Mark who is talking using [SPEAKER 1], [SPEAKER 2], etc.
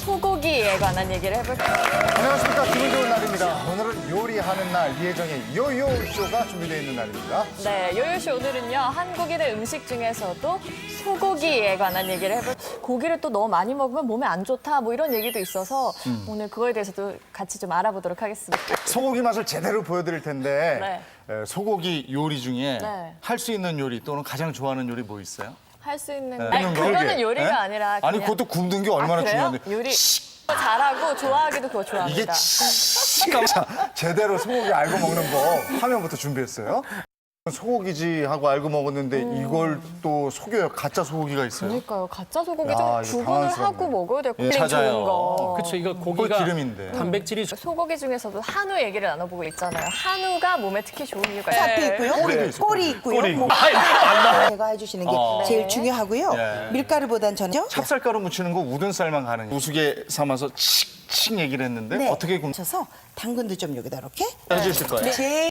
[SPEAKER 1] 소고기에 관한 얘기를 해볼게요.
[SPEAKER 2] 안녕하십니까. 기분 좋은 날입니다. 오늘은 요리하는 날 이혜정의 요요쇼가 준비되어 있는 날입니다.
[SPEAKER 1] 네, 요요쇼 오늘은요, 한국인의 음식 중에서도 소고기에 관한 얘기를 해볼게요. 고기를 또 너무 많이 먹으면 몸에 안 좋다, 뭐 이런 얘기도 있어서 오늘 그거에 대해서도 같이 좀 알아보도록 하겠습니다.
[SPEAKER 2] 소고기 맛을 제대로 보여드릴 텐데 소고기 요리 중에
[SPEAKER 1] 네.
[SPEAKER 2] 할 수 있는 요리 또는 가장 좋아하는 요리 뭐 있어요?
[SPEAKER 1] 할 수 있는.
[SPEAKER 2] 네.
[SPEAKER 1] 아니, 그거는
[SPEAKER 2] 그러게.
[SPEAKER 1] 요리가
[SPEAKER 2] 네?
[SPEAKER 1] 아니라.
[SPEAKER 2] 아니
[SPEAKER 1] 그냥...
[SPEAKER 2] 그것도 굽는 게 얼마나
[SPEAKER 1] 그래요?
[SPEAKER 2] 중요한데.
[SPEAKER 1] 요리 잘하고 좋아하기도 그거
[SPEAKER 2] 이게
[SPEAKER 1] 좋아합니다.
[SPEAKER 2] 자, 제대로 소고기 알고 먹는 법 화면부터 준비했어요. 소고기지 하고 알고 먹었는데 이걸 또 속여요. 가짜 소고기가 있어요.
[SPEAKER 1] 그러니까요. 가짜 소고기
[SPEAKER 2] 야,
[SPEAKER 1] 좀
[SPEAKER 2] 이거
[SPEAKER 1] 구분을
[SPEAKER 2] 당황스럽네.
[SPEAKER 1] 하고 먹어야 될 것
[SPEAKER 2] 예,
[SPEAKER 1] 같아요.
[SPEAKER 2] 찾아요.
[SPEAKER 1] 좋은 거.
[SPEAKER 3] 그렇죠. 이거
[SPEAKER 2] 그거
[SPEAKER 3] 고기가
[SPEAKER 2] 기름인데.
[SPEAKER 3] 단백질이
[SPEAKER 1] 소고기 중에서도 한우 얘기를 나눠보고 있잖아요. 한우가 몸에 특히 좋은 이유가
[SPEAKER 4] 사태
[SPEAKER 1] 있어요.
[SPEAKER 4] 있고요.
[SPEAKER 2] 꼬리도 있어요,
[SPEAKER 4] 꼬리 있고요.
[SPEAKER 3] 꼬리 있고.
[SPEAKER 4] 제가 해주시는 게 제일 중요하고요.
[SPEAKER 2] 예.
[SPEAKER 4] 밀가루보단 저는
[SPEAKER 2] 찹쌀가루 묻히는 거 우둔살만 가는 우스개 삼아서 칙칙 얘기를 했는데
[SPEAKER 4] 네.
[SPEAKER 2] 어떻게
[SPEAKER 4] 셔서 당근도 좀 여기다 이렇게
[SPEAKER 2] 해주실 거예요?
[SPEAKER 4] 제